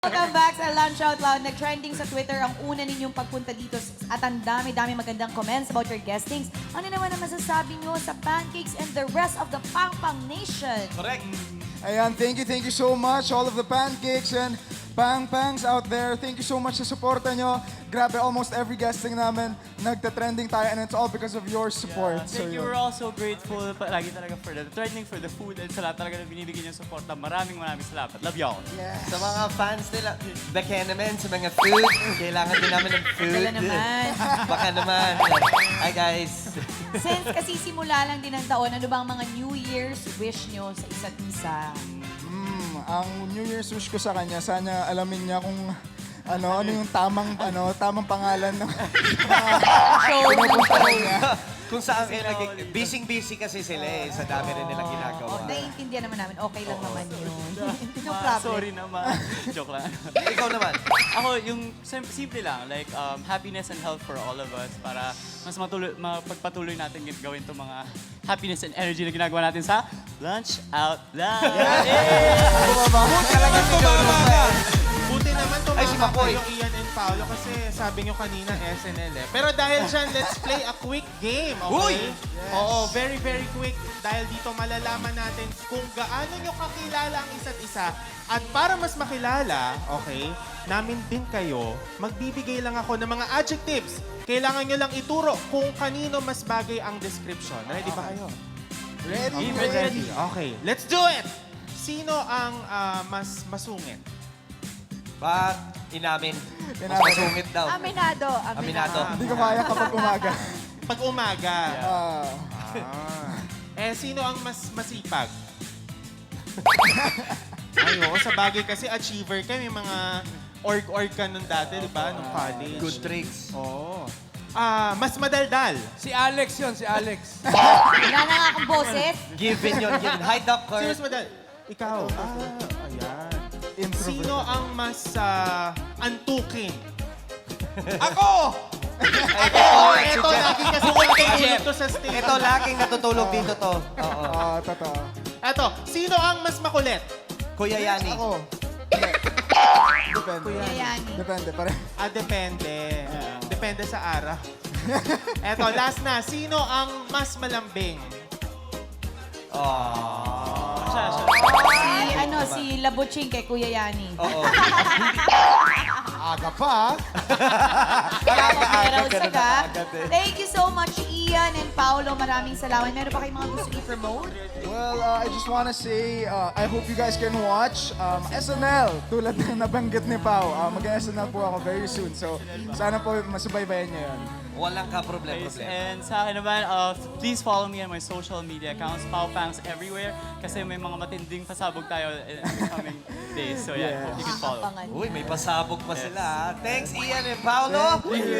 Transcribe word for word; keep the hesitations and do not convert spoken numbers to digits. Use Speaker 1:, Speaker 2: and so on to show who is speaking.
Speaker 1: Welcome back sa Lunch Out Loud. Nag-trending sa Twitter ang una ninyong pagpunta dito at ang dami-dami magandang comments about your guestings. Ano naman ang masasabi nyo sa Pancakes and the rest of the Pang Pang Nation?
Speaker 2: Correct.
Speaker 3: Ayan, thank you, thank you so much, all of the pancakes and Pang Pangs out there. Thank you so much sa suporta nyo. Grabe, almost every guesting namin, nagta-trending tayo and it's all because of your support.
Speaker 4: Yeah,
Speaker 3: So,
Speaker 4: thank you.
Speaker 3: yun.
Speaker 4: We're also grateful palagi talaga for the trending, for the food, and sa lahat talaga na binibigyan yung support. Maraming maraming salamat. Love y'all.
Speaker 2: Sa mga fans nila, baka naman sa mga food, kailangan din namin ng food.
Speaker 1: Dala naman.
Speaker 2: Baka naman. Hi guys.
Speaker 1: Since kasi simula lang din ang taon, ano bang mga New Year's wish nyo sa isa't isa?
Speaker 3: Mm, ang New Year's wish ko sa kanya, sana alamin niya kung ano, ano yung tamang, ano, tamang pangalan ng
Speaker 1: Show ng
Speaker 3: pinupunta
Speaker 1: show.
Speaker 3: niya.
Speaker 2: Kung saan kayo naging... Busy-busy kasi sila eh. Sa dami rin nilang
Speaker 1: Oh,
Speaker 2: ginagawa.
Speaker 1: naiintindihan naman namin. Okay lang naman yun. No
Speaker 4: Ma,
Speaker 1: problem.
Speaker 4: sorry naman. Joke lang.
Speaker 2: Ikaw naman.
Speaker 4: Ako, yung sim- simple lang, like um, happiness and health for all of us para mas matuloy, mapagpatuloy natin gin- gawin itong mga happiness and energy na ginagawa natin sa Lunch Out Loud.
Speaker 2: Talagang tumama ka.
Speaker 5: Buti naman
Speaker 2: Ay, si
Speaker 5: tumama
Speaker 2: Makoy.
Speaker 5: yung Ian and Paolo kasi sabi nyo kanina S N L eh. Pero dahil dyan, let's play a quick game, okay? Oo, very, very quick. Dahil dito malalaman natin kung gaano nyo kakilala ang isa't isa. At para mas makilala, okay, namin din kayo, magbibigay lang ako ng mga adjectives. Kailangan nyo lang ituro kung kanino mas bagay ang description. Ready ba kayo?
Speaker 3: Ready,
Speaker 5: Okay,
Speaker 3: ready.
Speaker 5: Okay, let's do it! Sino ang ah, mas masungit?
Speaker 2: Bak, inamin. Mas
Speaker 3: Inamin.
Speaker 2: masungit daw.
Speaker 1: Aminado.
Speaker 2: Aminado.
Speaker 3: Hindi ko kaya kapag umaga.
Speaker 5: Pag umaga.
Speaker 3: Ah,
Speaker 5: Ah. Eh, sino ang mas masipag? Ay, oo, sa bagay kasi achiever ka. May mga org-org ka nun dati, di ba? Nung college.
Speaker 2: Good tricks.
Speaker 5: Oo. Ah, mas madaldal.
Speaker 6: Si Alex yun, si Alex.
Speaker 1: Wala na nga akong boses.
Speaker 2: Given yun, given. Hi, Doc
Speaker 5: Sino
Speaker 2: Kurt.
Speaker 5: mas madaldal? Ikaw. Ah, ayan.
Speaker 3: introvert.
Speaker 5: Sino ang mas ah, antukin?
Speaker 6: Ako!
Speaker 2: Ito,
Speaker 5: Ito, lagi kasi natutulog to sa stage.
Speaker 2: Ito, laging natutulog dito to. Oo.
Speaker 3: Ah, totoo.
Speaker 5: Ito, sino ang mas makulit?
Speaker 2: Kuya Yani.
Speaker 3: Ako. Hindi. Depende.
Speaker 1: Yayani.
Speaker 3: Depende, pare.
Speaker 5: Ah, depende. Depende sa araw. Eto, last na. Sino ang mas malambing?
Speaker 4: Siya, siya.
Speaker 1: Si, ano, si Labuching kay Kuya Yani.
Speaker 2: Oo.
Speaker 3: Aga pa,
Speaker 1: Aga-aga
Speaker 2: ganun na agad eh.
Speaker 1: Thank you so much, Ian and Paolo. Maraming salamat. Meron pa kayong mga gusto i-promote?
Speaker 3: Well, uh, I just wanna say, uh, I hope you guys can watch um, S N L. Tulad ng nabanggit ni Pao. Uh, Mag-S N L po ako very soon. So, sana po masubaybayan niyo yun.
Speaker 2: Walang ka problem
Speaker 4: Guys,
Speaker 2: problem.
Speaker 4: and sa akin naman, uh, please follow me on my social media accounts, Pao Pangs everywhere, kasi may mga matinding pasabog tayo in the coming days. So yeah,
Speaker 3: Yeah.
Speaker 4: hope you can follow.
Speaker 1: Abangan.
Speaker 2: Uy, may pasabog pa sila. ah. Thanks, Ian and Paolo.